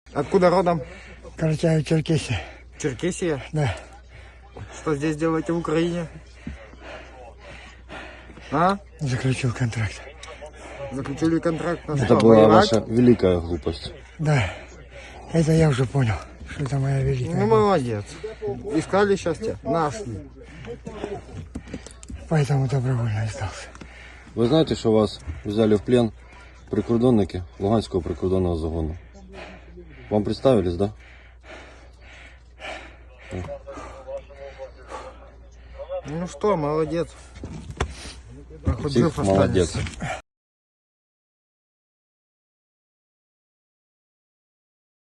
Откуда родом? Карачаево, Черкесия. Черкесия? Да. Что здесь делаете в Украине? А? Заключил контракт. Заключили контракт на Это что? была Воевать? ваша великая глупость. Да. Это я уже понял, что это моя великая. Ну, молодец. Искали счастье? Нашли. Поэтому добровольно сдался. Ви знаєте, що вас взяли в плен прикордонники Луганського прикордонного загону? Вам представились, да? Ну что, молодец. А хоть Всіх жив молодець. останешься.